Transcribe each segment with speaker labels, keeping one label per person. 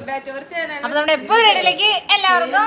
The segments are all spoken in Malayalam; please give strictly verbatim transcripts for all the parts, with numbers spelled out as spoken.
Speaker 1: അപ്പൊ നമ്മുടെ എപ്പോ റെഡിയിലേക്ക് എല്ലാവർക്കും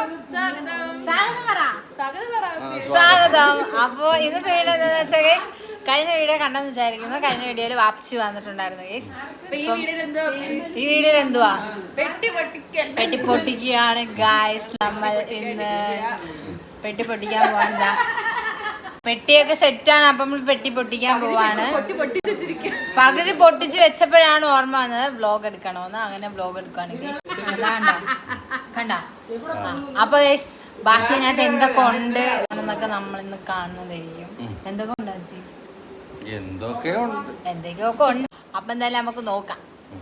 Speaker 1: സ്വാഗതം. അപ്പൊ ഇന്നത്തെ വീഡിയോ എന്താണെന്ന് വെച്ചാൽ ഗൈസ്, കഴിഞ്ഞ വീഡിയോ കണ്ടെന്ന് വിചാരിക്കുന്നു. കഴിഞ്ഞ വീഡിയോയിൽ വാപ്പിച്ചു വന്നിട്ടുണ്ടായിരുന്നു ഗൈസ്. ഈ വീഡിയോയിൽ എന്തുവാ പെട്ടി പൊട്ടിക്കുകയാണ് ഗൈസ്. നമ്മൾ ഇന്ന് പെട്ടി പൊട്ടിക്കാൻ പോവാ. പെട്ടിയൊക്കെ സെറ്റാണ്. അപ്പം നമ്മൾ പെട്ടി പൊട്ടിക്കാൻ പോവാണ്. പകുതി പൊട്ടിച്ച് വെച്ചപ്പോഴാണ് ഓർമ്മ വന്നത് വ്ലോഗ് എടുക്കണോന്ന്. അങ്ങനെ വ്ലോഗ് എടുക്കുകയാണ് ഗൈസ്. അതാണ്ടോ കണ്ട. അപ്പൊ ഗൈസ് ബാക്കി അതിനകത്ത് എന്തൊക്കെ ഉണ്ട് എന്നൊക്കെ നമ്മൾ ഇന്ന് കാണുന്നതായിരിക്കും. എന്തൊക്കെ ഉണ്ടാ
Speaker 2: എന്തൊക്കെയോ
Speaker 1: എന്തൊക്കെയൊക്കെ ഉണ്ട്. അപ്പൊ എന്തായാലും നമുക്ക് നോക്കാം.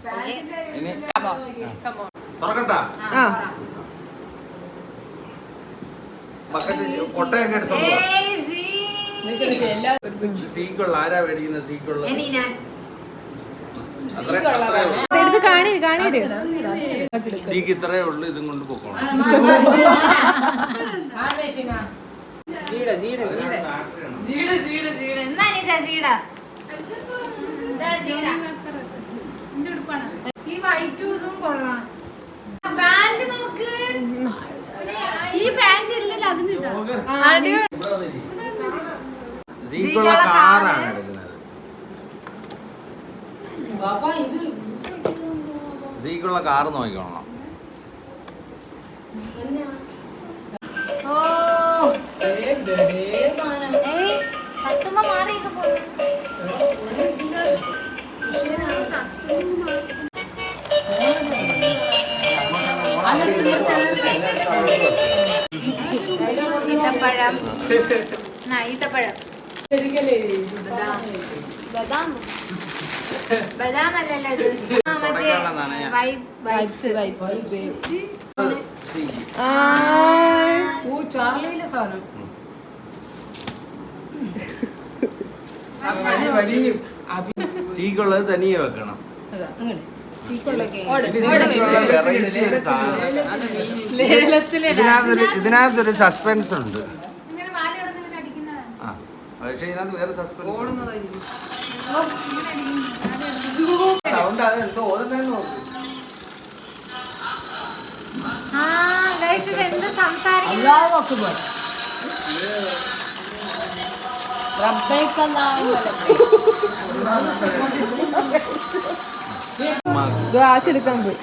Speaker 2: ആരാ മേടിക്കുന്ന സീക്കുള്ള സീക്ക് ഇത്രയേ ഉള്ളു. ഇതും കൊണ്ട് പോക്കണം.
Speaker 1: ഈ വൈറ്റും ഇതും കൊള്ളാം. പാന്റ് നോക്ക്. ഈ പാന്റ് ഇല്ലല്ലോ അതിന്
Speaker 2: സീക്കുള്ള കാറാണ് എടുക്കുന്നത്. സീക്കുള്ള കാറ് നോക്കിക്കോളണം.
Speaker 1: തട്ടുമ്പോ മാറിയൊക്കെ പോയി. ഈത്തപ്പഴം ഈത്തപ്പഴം ബദാം അല്ലല്ലോ ഇത്.
Speaker 3: ചാർലിയിലെ സാധനം
Speaker 2: സീക്കുള്ളത് തനിയെ വെക്കണം. ഇതിനകത്തൊരു സസ്പെൻസ് ഉണ്ട്. പക്ഷെ ഇതിനകത്ത് വേറെ സസ്പെൻസ് സൗണ്ട്. അത് എന്തോ ഓടുന്നതെന്ന് നോക്ക്.
Speaker 3: ഗ്ലാസ് എടുക്കാൻ പോയി.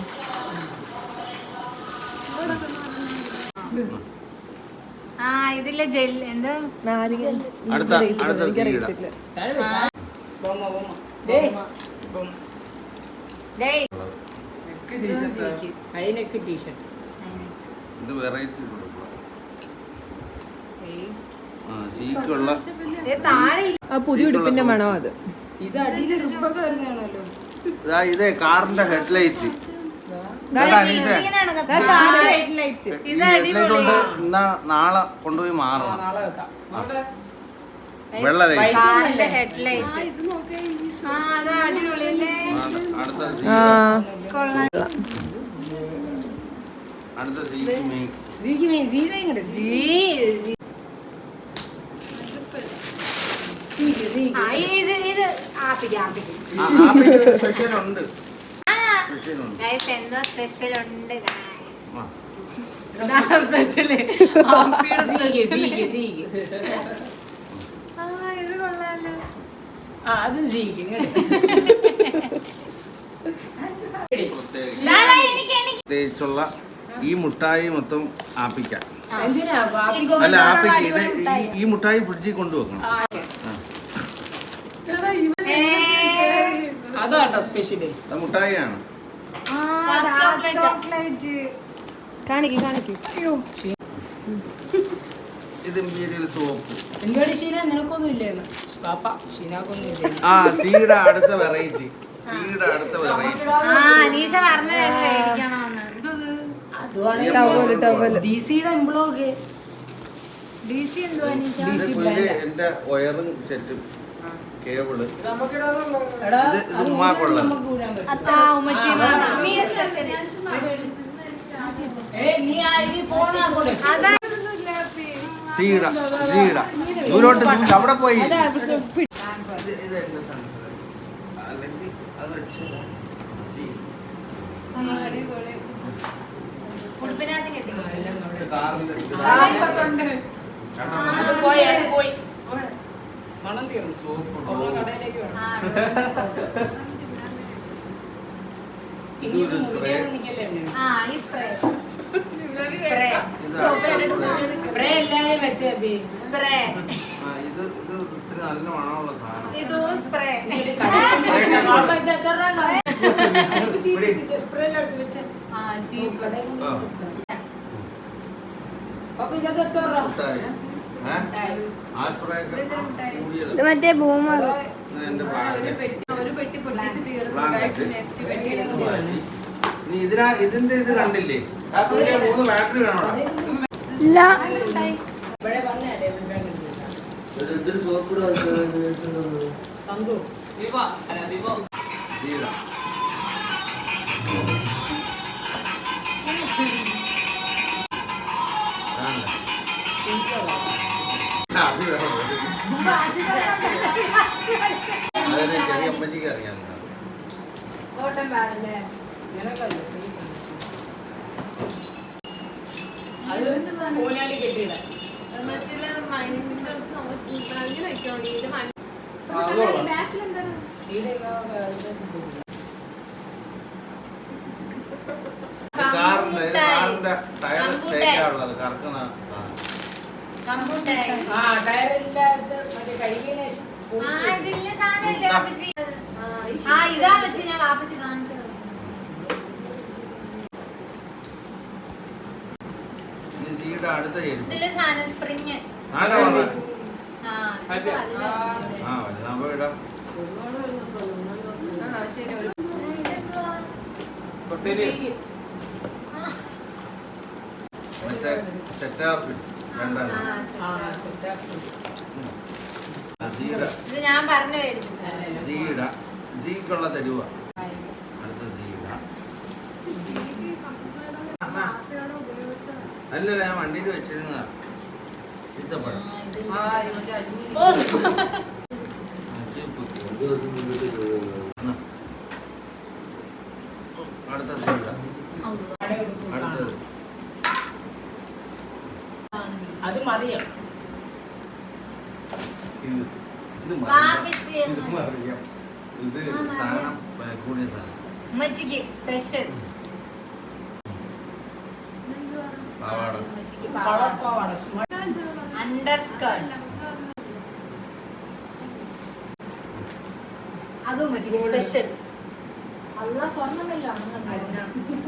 Speaker 1: ആ ഇതിലെ ജെൽ എന്തോ
Speaker 2: അടുത്ത അടുത്ത ഇത് വെറൈറ്റി സീക്കുള്ള
Speaker 3: പുതിയ ഉടുപ്പിന്റെ മണോ അത്.
Speaker 2: ഇതേ കാറിന്റെ ഹെഡ്ലൈറ്റ്. എന്നാ നാളെ കൊണ്ടുപോയി മാറണം. വെള്ള ലൈറ്റ്. അടുത്ത സ്പെഷ്യലുണ്ട്.
Speaker 1: എന്തോ സ്പെഷ്യൽ ഉണ്ട്.
Speaker 2: പ്രത്യേകിച്ചുള്ള ഈ മുട്ടായി മൊത്തം ആപ്പിക്കാം. അല്ല ആപ്പിക്ക് ഇത് ഈ മുട്ടായി ഫ്രിഡ്ജിൽ കൊണ്ടുവെക്കണം.
Speaker 3: അതാട്ടോ സ്പെഷ്യല്.
Speaker 2: മുട്ടായിയാണ്.
Speaker 3: കാണിക്ക് കാണിക്ക്.
Speaker 2: ഇത് ഇമ്പീരിയൽ സോപ്പ്. ആ സീയുടെ അടുത്ത വെറൈറ്റി. സീയുടെ അടുത്ത വെറൈറ്റി. എന്റെ വയറും സെറ്റും കേബിള് ഇത് ഉമ്മാക്കുള്ളത്. സീഡ സീഡ ദൂരോട്ട് അവിടെ പോയി.
Speaker 1: ഉടുപ്പിനകത്ത് കെട്ടി
Speaker 3: മണം തീർന്നു
Speaker 2: സോപ്പ്
Speaker 3: കടയിലേക്ക് വേണം
Speaker 2: ഇതൊരു സ്പ്രേ
Speaker 1: ആ ഈ സ്പ്രേ സ്പ്രേ
Speaker 3: സ്പ്രേ എല്ലാരും വെച്ചേ
Speaker 1: സ്പ്രേ
Speaker 2: ആ ഇത് ഇത് ഇത്തിരി നല്ല മണമുള്ള സാധനം
Speaker 1: ഇതും സ്പ്രേ
Speaker 3: സ്പ്രേ എടുത്ത് വെച്ച്
Speaker 1: ആ ചീപ്പ്
Speaker 2: ആ.
Speaker 3: അപ്പൊ ഇതൊക്കെ എത്ര രൂപ?
Speaker 2: മുട്ടായി. ഏ? ആ സ്പ്രേ ഒക്കെ കൂടിയത്.
Speaker 4: ഇത് മറ്റേ ബൂമർ
Speaker 2: ഇത് എന്റെ പാടില്ല.
Speaker 3: ഒരു പെട്ടി പൊട്ടിച്ച് തീർന്നു
Speaker 2: ബ്ലാങ്കറ്റ്.
Speaker 3: നെക്സ്റ്റ് പെട്ടി
Speaker 2: ഇത് മാറ്റി. ഇനി ഇതിനാ ഇതിന്റെ ഇത് കണ്ടില്ലേ ആ പുതിയ മൂന്ന് ബാറ്ററി കാണോടാ
Speaker 4: ഇല്ല
Speaker 3: ഇവിടെ വന്നേ
Speaker 2: ഇതിന് സോപ്പ്
Speaker 3: സന്തു വിവോ അല്ല വിവോ
Speaker 2: ജീരാ അതിന് ചെറിയ അമ്മച്ചിക്ക് അറിയാം
Speaker 1: ഓട്ടം പാടില്ലേ
Speaker 3: നിനക്കല്ലേ അത് കോലാലി കെട്ടിയിട
Speaker 2: കാറിന്റെ ഇത് കാറിന്റെ ടയർ തേക്കാനുള്ളത് കറക്കുന്ന
Speaker 1: കമ്പൂട്ടായി
Speaker 3: ആ ടയറില്ലാത്ത മറ്റേ കഴുകിയതിന് ശേഷം
Speaker 1: ആ ഇതില്ല സാധനമില്ലേ വാപ്പച്ചി ആ ഇതാ വെച്ച് ഞാൻ വാപ്പച്ചി കാണിച്ചു
Speaker 2: ഇനി സീയുടെ അടുത്ത ചെരുപ്പ്
Speaker 1: ഇതിലെ സാധനം സ്പ്രിങ്
Speaker 2: നാളെ വന്ന
Speaker 1: ആ ഇത് വലുതാ.
Speaker 2: ആ വലുതാകുമ്പോ ഇടാം
Speaker 3: ആ ശരി ഒരു
Speaker 1: ആ, ഇതെന്തുവാ?
Speaker 2: മറ്റേ സെറ്റാപ്പിൽ രണ്ടെണ്ണം
Speaker 3: ആ സെറ്റ്
Speaker 2: സീയുടെ
Speaker 1: ഇത് ഞാൻ പറഞ്ഞു മേടിച്ചത്
Speaker 2: സീയുടെ സീക്കുള്ള തരുവ അടുത്ത സീയുടെ അല്ലല്ല ഞാൻ വണ്ടിയിൽ വെച്ചിരുന്നതാ ഇത്തപ്പഴം
Speaker 3: ആ മറ്റേ അരിഞ്ഞി
Speaker 1: ഓ
Speaker 2: അടുത്ത സീയുടെ അടുത്തത്
Speaker 3: അത് മതിയോ
Speaker 2: ഇത് ഇത് മതി.
Speaker 1: വാപ്പച്ചി
Speaker 2: ഇത് മറിയാം ഇത് സാധനം ഏ, കൂടിയ സാധനം
Speaker 1: ഉമ്മച്ചിക്ക് സ്പെഷ്യൽ
Speaker 2: പാവാട
Speaker 1: ഉമ്മച്ചിക്ക്
Speaker 3: കളപ്പാവാട
Speaker 1: അണ്ടർ സ്കേർട്ട് അതും ഉമ്മച്ചിക്ക് സ്പെഷ്യൽ അല്ല സ്വർണ്ണമല്ലോ
Speaker 2: എന്നാ.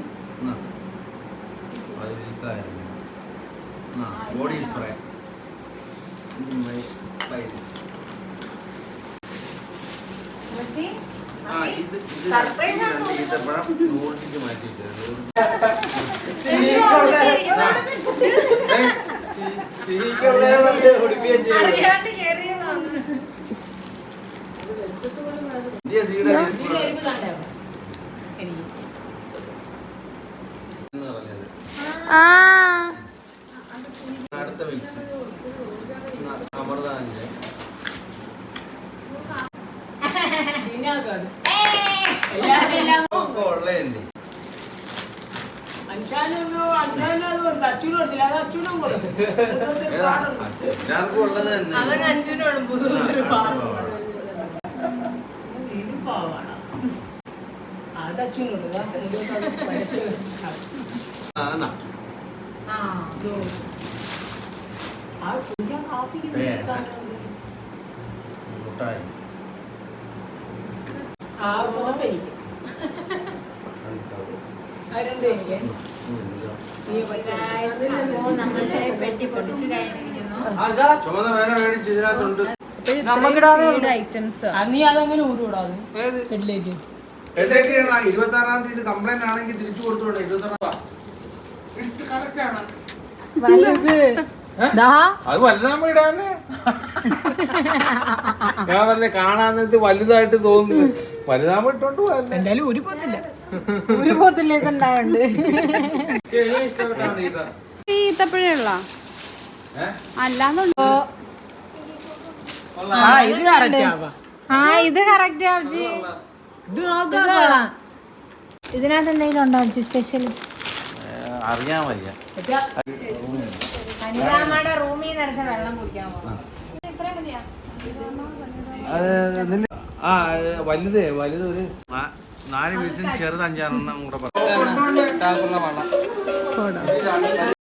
Speaker 2: അത് ഇതായിരുന്നു. എന്നാ, ബോഡി സ്പ്രേ ഇത് മൈ- മൈ-
Speaker 1: ഉമ്മച്ചി
Speaker 2: ആ, ഇത് ഇത്
Speaker 1: സർപ്രൈസ്
Speaker 2: ഇത്
Speaker 1: ആണ്
Speaker 2: രണ്ട് ഈത്തപ്പഴം നൂറിലേക്ക് മാറ്റിയിട്ട് നൂറ്
Speaker 1: അറിയാണ്ട് കേറിയതാണ്
Speaker 2: ഇന്ത്യ സീയുടെ
Speaker 3: ഇതിന്റെ എരിവ് താണ്ടേ എനിക്ക്
Speaker 2: എന്ന് പറഞ്ഞത്
Speaker 4: ആ
Speaker 2: അടുത്ത മിക്സ് അമൃതാഞ്ച്
Speaker 3: ചീനാക്കാത് എല്ലാവരും എല്ലാം
Speaker 2: ഒക്കെ ഉള്ളതല്ലേ
Speaker 3: അഞ്ചാനൊന്നും അഞ്ചാനും അത് കൊടുത്തു അച്ഛനും കൊടുത്തില്ല അത് അച്ഛനും കൊടുത്തു
Speaker 2: ഏതാ എല്ലാവർക്കും ഉള്ളത് തന്നെ
Speaker 3: അവൻ അച്ഛനോടും പുതുതൊരു പാവാണ് അത് അച്ഛനോട്
Speaker 2: ആ, എന്നാ.
Speaker 3: ആ ഇതോ. ആ കുടിക്കാൻ കാപ്പിക്ക്
Speaker 2: ഏ.
Speaker 3: സാധനം
Speaker 2: മുട്ടായി
Speaker 3: ആ പുതപ്പ് എനിക്ക് ആ രണ്ടും എനിക്ക് നീ
Speaker 1: അപ്പോ നമ്മൾ പെട്ടി പൊട്ടിച്ചു കഴിഞ്ഞിരിക്കുന്നു
Speaker 2: ചുമന്ന വേന മേടിച്ച് ഇതിനകത്തുണ്ട്
Speaker 3: ഐറ്റംസ് നീ അതങ്ങനെ ഊരുകൂടാതെ ഹെഡ്ലൈറ്റ്
Speaker 2: ഹെഡേക്ക് ഇരുപത്തി ആറാം തീയതി കംപ്ലൈന്റ് ആണെങ്കിൽ തിരിച്ചു കൊടുത്തോട്ടെ ഇരുപത്തി ആറാം കറക്റ്റ് ആണ്
Speaker 5: അത് വലുതാകുമ്പോ ഇടാന് ഞാൻ പറഞ്ഞ കാണാൻ വലുതായിട്ട് തോന്നുന്നു വലുതാകുമ്പോ ഇട്ടോണ്ട് പോയല്ലേ
Speaker 3: എന്തായാലും ഊരി പോത്തില്ല
Speaker 1: ഒരു പോത്തിലേക്ക് ഉണ്ടായുണ്ട്
Speaker 2: ഇഷ്ടപ്പെട്ടാണ് ഇത്
Speaker 4: ഈത്തപ്പഴമുള്ള
Speaker 2: ഏഹ്
Speaker 4: അല്ലാന്നുണ്ടോ
Speaker 3: ആ ഇത് കറക്റ്റ് ആവാ
Speaker 1: ആ ഇത് കറക്റ്റ് ആവജി
Speaker 3: ഇത്
Speaker 1: ഇത് കൊള്ളാം ഇതിനകത്ത് എന്തെങ്കിലും ഉണ്ടോ സ്പെഷ്യൽ
Speaker 2: അറിയാൻ വയ്യ.
Speaker 1: കനികാമ്മയുടെ റൂമിൽ നിന്ന് എടുത്ത വെള്ളം കുടിക്കാൻ പോകണം.
Speaker 2: ആ വലുതേ വലുത് ഒരു നാല് പീസും ചെറുത് അഞ്ചാറെണ്ണം കൂടെ പറഞ്ഞു.